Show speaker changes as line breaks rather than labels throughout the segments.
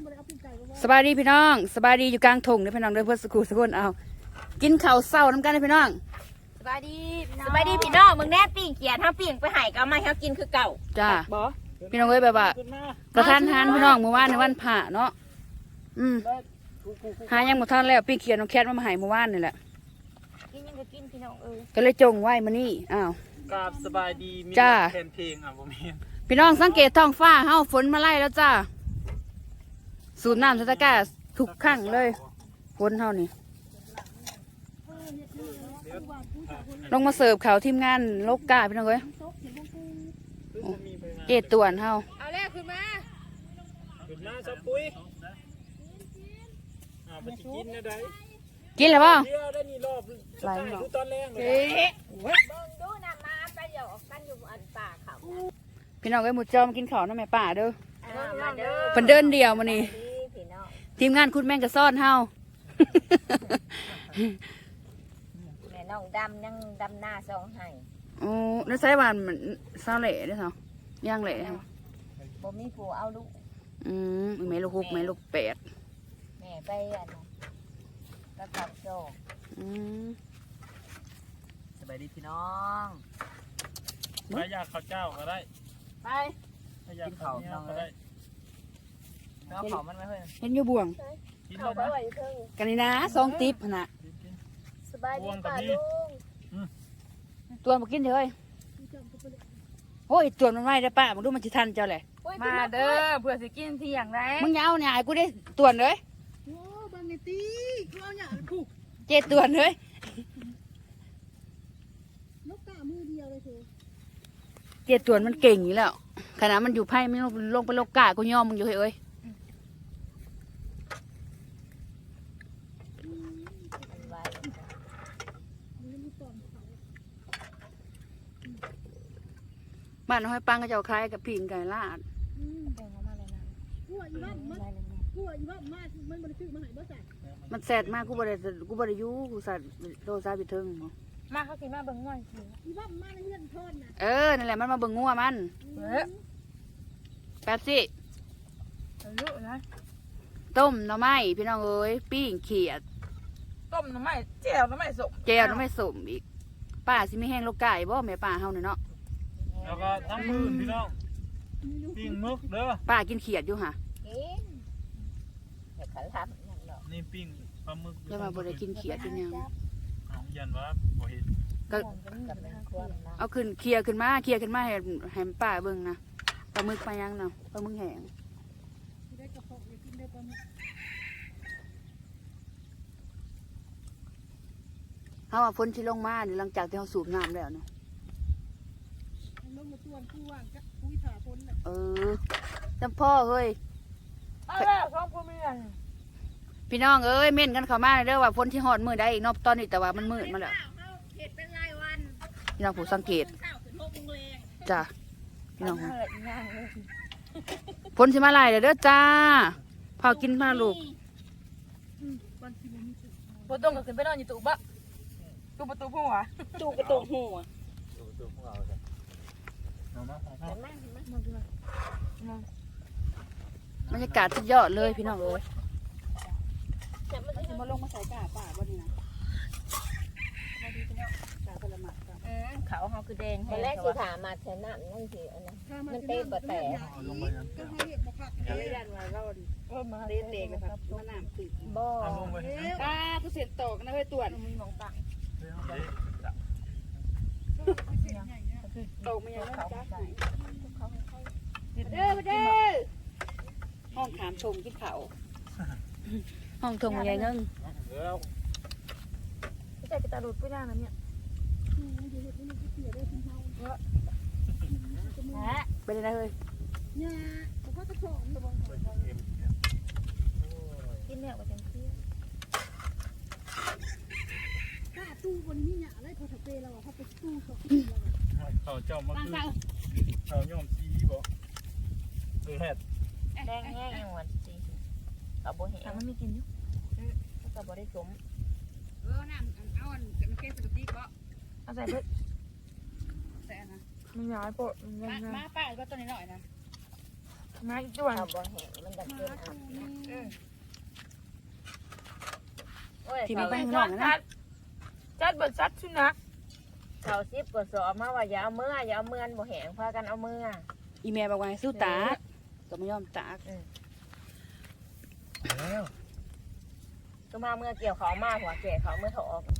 สบายดีพี่น้องสบายดีอยู่กลางทงเลยพี่น้องเด้อเพื่อนสกูสกุลเอากินข้าวเศร้าน้ำกันเลยพี่น้อง
สบายดีพี่น้องมึงแน่ปิ่งเกียร์ถ้าปิ่งไปหายก็มาให้กินคือเก่า
จ้าพี่น้องเอ้ยแบบว่าประทานทานพี่น้องเมื่อวานในวันผ่าเนาะหายังหมดท่านแล้วปิ้งเขียนน้องแคทมาหายเมื่อวานนี่แหละ
กินยังก็กินพี่น้อง
ก็เลยจงไว้มานี่อ้าว
กราบสบายดีมีแทนเพลงผมเอง
พี่น้องสังเกตท้องฟ้าเฮาฝนมาไล่แล้วจ้าสูบน้ำสตะกร้าทุกครั้งเลยฝนเฮานี่ลงมาเสิร์ฟข่าวทีมงานโลกกาพี่น้องเอ้ยเจตวนเฮา
เอาแรกขึ้นมา
สับปุ้ยไปกินนะได้
กินแล้วป่ะ
ได้นี่รอบไหลดูตอนแรกเลย
ดูน้ำมาไปเดี๋ยวออกกันอยู่อันป่าเขา
พี่น้องเอ้ยหมูจอมกินข้าวน้ำแม่ป่าเด้อ
เด้อ
เพิ่นเดินเดียวมานี่ทีมงานคุณแม่งกระซ่อนเฮา
แม่น้องดำยังดำหน้าซองให้
โอ้แล้วใช้วันมันซาเล่ได้เหรอย่างเล่
บ่มีผู้เอาลูก
แม่ลูก6แม่ลูก8
แม่ไปอันกระตับโจ
สบายดีพี่น้องไปอยากข้าวเจ้าก็ได้
ไป
อยากข้าวน้องก็ได้แล้วข้าวมันไม่เพื่อน
เห็นอยู่บ่วง
ข้าวไปไหวเพิ่ง
กันนี่นะ2ติ๊บน่ะ
สบายดีป่าลุง
ตัวมากินเลยโอ้ยตัวมันไม่ได้ป้ามึงดูมันจะทันเจ้าเลย
มาเด้อเผื่อสิกินที่อย่างไร
มึงยาวเนี่ยกูได้ตัวเลย
โอ้บางทีกูเอาเนี่ยผูก
เจตัวเลย
นกกามือเดียวเลยเธอ
เจตัวมันเก่งอยู่แล้วขณะมันอยู่ไพ่ไม่ลงไปโลกากูยอมมึงอยู่เฮ้ยบ้านน้อยปังก็จะคล้ายกับพิงไก่ลาด
กูอีบ้านมากมันบริสุทธิ์มาหายบ่ใส่
มันแสบมากกูบริยูกูสัตว์โดนซาบิทึง
มาเขากินมาเบิ่งง่อย
อีบ้านมาในเรื่องทอนนะ
นั่นแหละมันมาเบิ่งงัวมันแป๊บสิต้มหน่อไม้พี่น้องเอ้ยปิ้งเขียด
ต้มหน่อไม้แจ่วหน่อไม้สม
อีกป้าสิไม่แห้งลูกไก่บ่แม่ป้าเฮาเนี่ยเนาะ
แล้วก็ทั้งมือพี่น้องปิ้งมึกเด้อ
ป้ากินเขียดอยู่ค่ะ
เดี๋ยวขันทับอย่างเนาะ
นี่ปิ้งปลาหมึก
แล้วมาบ่ได้กินเขียดกินยัง
ยันว่าบ่เห็น
ก็เอาขึ้นเคลียร์ขึ้นมาให้ป้าเบิ่งนะปลาหมึกปลายังเนาะปลาหมึกแห้งเขาว่าฝนที่ลงมาหลังจากที่เขาสูบน้ำแล้วเนาะจำพ่อเฮ้ยพี่น้องเอ้ยเม่นกันเข้ามาเด้อว่าฝนที่หอดมือได้อีกนอกตอนนี้แต่ว่ามันมืดมาแล้วพี่น้องผู้สังเกตจ้ะพี่น้องฝนที่มาไล่เด้อจ้าพากินมาลูก
บ่ต้องก็ขึ้นไปนอนอยู่ตู้บะตู้ประตูหัวตู้ประตูหัว
บรรยากาศสุดยอดเลยพี่น้องเอ้ยมาลงมาใส่กาป่าบ่นี่นะ
เขาเขาคือแดงตอนแรกสิถามมาแค่นั้นนั่นสิอันนั้นมันเต้บะแต่
ก็เลยดันมาเล่าดิมาเด็กๆนะครับมาน้ำติด
บ่
ผู้เสียตกนะเฮ้ยตัว
มีมองตัง
ตกมาอย่างนั้นจ้าเด้อห้องขามชมกินเขาห้องทงใหญ่เงิง
ไม่ใช่กระตาลุดไม่ได้นะเนี่ย
เป็นอะไรเฮ้ย
เนี่ยเขาจะสอน
กินเนี่ยว่าจังซี่
ถ้าตู้บนนี้เนี่ยอะไรเขาจะเปย์เราเขาไปตู้
เขาเจ้ามาคือเขาย่อมซีบ่แฮด
แดงแห้งหวานจริงเอาบ่เห็นมันมีกินอยู่ก็บ่ได้สม
น้ำเอาอันมันแก้สติก็
เอาใส่เบิด
ใส่นะ
มันย้ายโปะ
มาป้าก็ตัวนี้หน่อยนะ
มาอีกด้วย
เอาบ่เห็นมันดับเกินที่มีไปข้างนอกนะ
จัดบนซัดสุนัขเขาซิบกดสอบมาว่าอย่าเอาเมื่อบ่แหงพากันเอาเมื่อ
อีเมลบอกว่าให้สู้ตากก็ไม่ยอมตาก
แล้ว
ก็มาเมื่อเกี่ยวเขามาหัวแก่เขาเมื่อถออก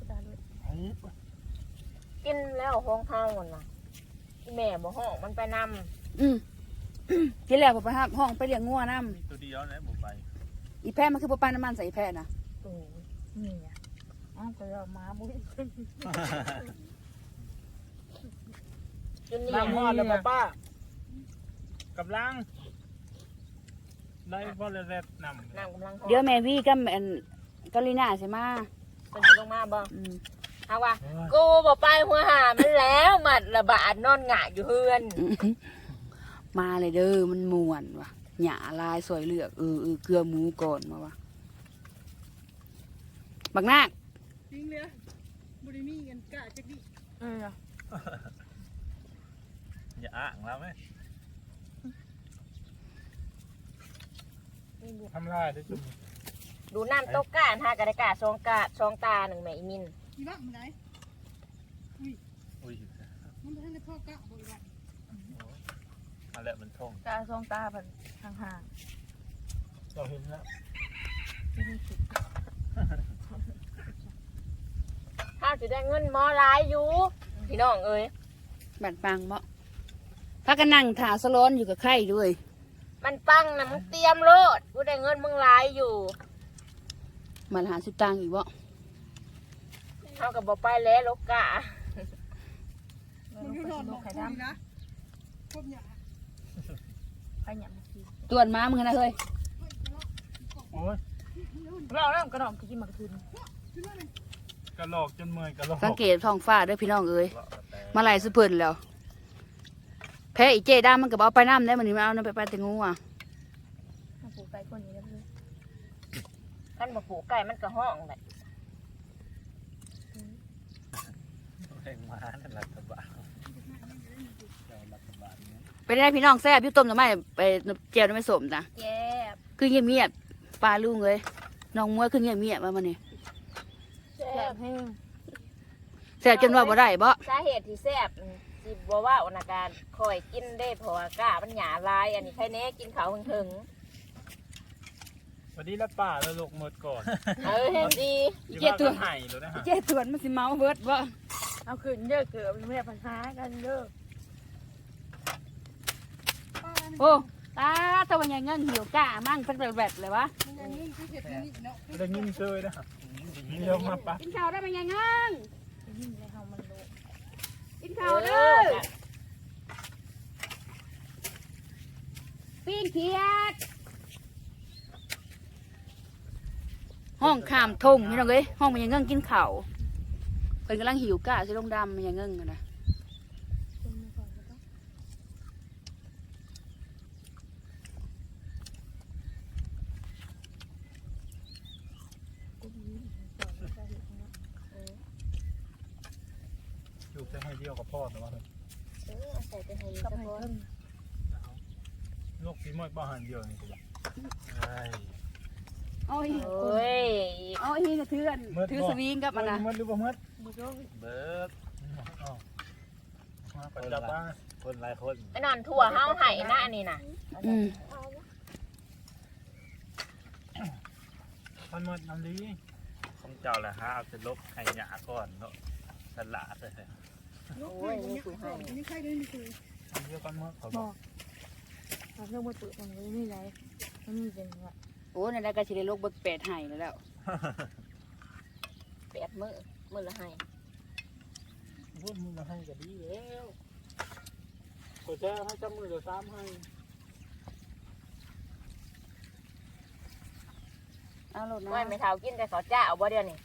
กินแล้วห้องเฮาหมดน่ะอีแม่บ่ห้องมันไปนำ
ที่แล้วผมไปหาห้องไปเลี้ยงงัวน้
มีตัวเดียวนะบุไป
ำอีแพะมันคือปลาน้ำมันใส่อีแพะนะ
โอ้นี่อ่ะอ๋อไปเอามาบุ้ยจนนี่
น้ำฮอดแล้วป้ากับลังได้พ่อเลยแรดนำ
น้ำกำลัง
เดี๋ยวแม่วี่กับอันกาลิน่าใช่ไหม
เป็นลงมาบ่
อืม
เอาว่ากูบ่ไปหัวหามันแล้วมัดระบาดนอนหงายอยู่เฮือน
มาเลยเด้อมันม่วนว่ะหยาลายสวยเลือกเกลือหมูก่อนมาว่ะบักนาค
จริงเลยบริมีเงินกะจักดิ
อย่าอ้างแล้วไหมทำลายได้จุ่ม
ดูน้ำตกกาหากระดกาซองตาหนึ่งแม่อีมิน
อีบ้ามันไหน
อุ้ย
มันบ่ทันได้พ่อกะบ่อีบ้า
มาแล้วมันท่อง
ตาซองตาพันห่าง
เราเห็นแล้ว
ถ้าจะได้เงินมอหลายอยู่พี่น้องเอ้ย
บัดปังเมาะพักกันนั่งถาสล้อนอยู่กับไข่ด้วย
มันปังนะมึงเตรียมโลดกูได้เงินมึงหลายอยู่
มันหาสิบตังค์อีกบ่
เท่ากับบ่ไปแล้วลูกกะ
มันให้นอนบอกคุยนะพบหยา
ตวนม้ามึงนะเฮ้ย
โอ้ย
เราเริ่มกระดองกินหมากทุน
กระโหลกจนเมื่อยกระโหลก
สังเกตท้องฟ้าเด้อพี่น้องเอ้ยมาไหลสุเพิ่นแล้วแพ้อีเจด้ามันก็บเอาไปน้ำได้มันนี่มาเอาน้ำไปปลาแตงงูอ่ะ
ปลูกไก่คนนี้เลยท่านบอกปลูกไก่มันก็ห้องเลย
แรงม้านั่นรัฐบาลรัฐบาลเนี่ย
ไปได้พี่น้องแซ่บอยุ่ต้มหน่อไม้ไปเจียวหน่อไม้สมจ้ะ
แย่บ
คือเงียบๆปลาลุงเลยน้องมวยคือเงียบๆมามันนี่
แซ่บแห้ง
แซ่บจนว่าบ่ได้บ่
สาเหตุที่แซ่บสิบ่ว่าอนาการคอยกินได้เพราะว่ากะมันหยาลายอันนี้ใครแน่กินเขาถึง
วันนี้ละป่าแล้วลกหมดก่อน
เออเห็นดี
เจ็ดตัวไห่เลยนะฮะ
เจ๊ตวนมันสิเมาเบิดบ่
เอาขึ้นเยอะเกือบแม่ปัญหากันเยอะ
โอ้ตาตะวันยังเงินหิวก้ามั่งเป็นแบบเลยวะ
มันอย่างนี้คือเห็ดนี่เนาะ
ได้ยินเชยนะเดี๋ยวมาปะ
กินข้าวได้มันยังเงิน
ยิ่งในเฮามันรู้
กินข้าวเด้อปิ้งเขียดห้องข้ามทงพี่น้องเอ้ยห้องมันยังเงินกินข้าวเพิ่นกำลังหิวก้าสิลงดำมันยังเงินกันนะ
อยู่แค่ให้เดียวกับพ่อแต่ว่า
ใส่ไปให้
กับ
สัก
ให้
คน
เพิ่น
ลูกสีมอยบ้านเดียวนี่กูบอกใช่
เอาอีก
โอ้ย
เอาอีกกระเทือนถือสวิงกับมันนะ
มัดหรือเปล่ามัด
เบิร์ด
มาประจับบ้าน
คนหลายคน
ไอ้นอนถั่วเฮาไห่หน้านี่น่ะ
อืม
ท่านมัดน้ำดี
ของเจ้าแหละฮะเอาจะลบให้หยาก่อนเนาะสละเลย
ยกให้บ่ยกให้นี่ใครได้นี่คือ
อันเดียวกันมัดเขาบอก
เราเรื่องมาตื่นมันไม่ไรมันมีเป็นว่า
โอ้ในนั้นก็สิได้โลกเบิกแปดไห้แล้ว
8 มื้อละให้
พูดมึงมาให้ก็ดีแล้วก็จะให้จำมือเดี๋ยวซ้ำให้
เอาโลดนะ
ว่าไม่เท่ากินแต่ขอจ้าเอาบ่เดียวนี่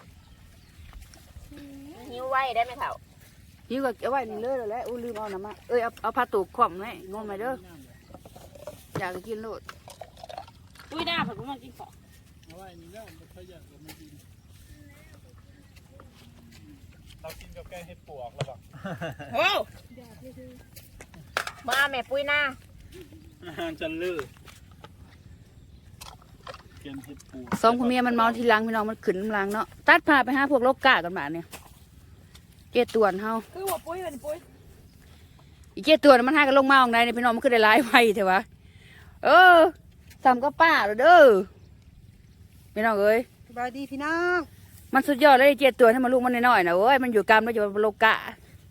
หิวไว้ได้ไหมเท่า
พี่ก็เอาไว้นี่เลยแล้วแหละอู้ลืมเอาน้ำมาเอ้ยเอาผ้าตูกขวมไว้งงไหมเด้ออยากจะกินโลดอุ้ยหน้าผมก็มากินของ
เอาไว้นี่แล้วมันขยันก็ไม่กินเรากินกับแกงให้ปวกแล้วบอก
โอ้
อยากเลยคือ
มาแม่ปุ้ยหน้า
อาหารจันลือเกณฑ์เฮ็ดปู
สองผัวเมียมันเมาทีหลังพี่น้องมันขึ้นน้ำลังเนาะตัดพาไปหาพวกโลกกากันมาเนี่ยเจ็ดตัวเฮา
คือว่าปุ้ยเป็นปุ้ย
อีเจ็ดตัวน่ะมันหากันลงมาของใดเนี่ยพี่น้องมันขึ้นได้หลายไวเถอะวะทำก็ป้าเด้อพี่น้องเอ้ย
สบายดีพี่น้อง
มันสุดยอดเลยเจ็ดตัวให้มันลูกมันน้อยๆนะเว้ยมันอยู่กรรมแล้วอยู่บนโลกะ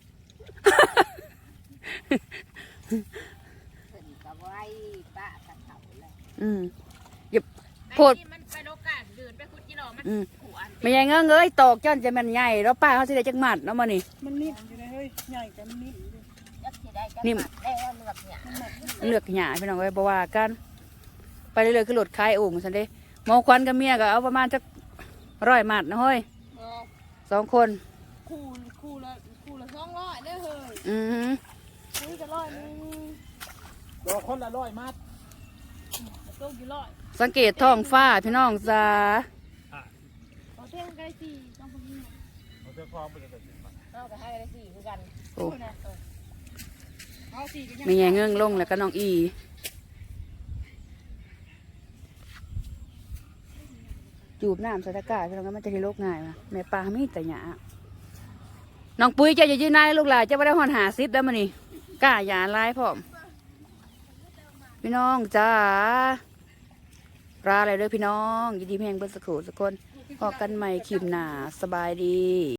กับไว้ป้าตัดเขาเลย
อย่าโพด
มันไปโลกาเดินไปคุดจิโร่มัน ขวาน
ไม่ใหญ่เงเอ้ยตอกจ้อนจะมันใหญ่แล้วป้าเขาสิได้จักหมัดเนาะมานี่
มันนิ่มอยู่เลยเฮ้ยใหญ่แต่มันนิ่มอยู่เลย
ยักษ์ที่ได้กัน
นิ่ม
ได้ว่าเลือกเนี่ย
เลือกหยาพี่น้องเอ้ยบ่ว่ากันไปเรื่อยๆคือรถคายโอ่งซั่นเด้หมอควันกับเมียก็เอาประมาณจัก100หมัดนะเฮ้ย2 คน
คู่ละ200เด้อเฮ้ย
อือ
คุยกัน100นึง
ดอกคนละ100มัด
ต้มกี่ร้อย
สังเกตท้องฟ้าพี่น้องจ้า
เอาเท่งกันได้สี่ต้องพอดี
เอาเสื้อคล้องไปเลยแต่สิบบาท
เอาไปให้ได้สี่คือกัน
โอ้
เอาสี่กันยัง
ไม่ใหญ่เงลงแล้วก็น้องอีจูบน้ำใส่ตะกร้าพี่น้องก็มันจะได้โรคง่ายนะแม่ปลามีแต่หยาน้องปุ้ยเจะอย่ายืนนายลูกหลานเจะไม่ได้หอน50แล้วมันนี่กล้าหยาลายพร้อมพี่น้องจ้าลาอะไรเด้อพี่น้องยินดีแพงเบิ้ลสักครู่สักคนพอกันใหม่คลิปหน้าสบายดี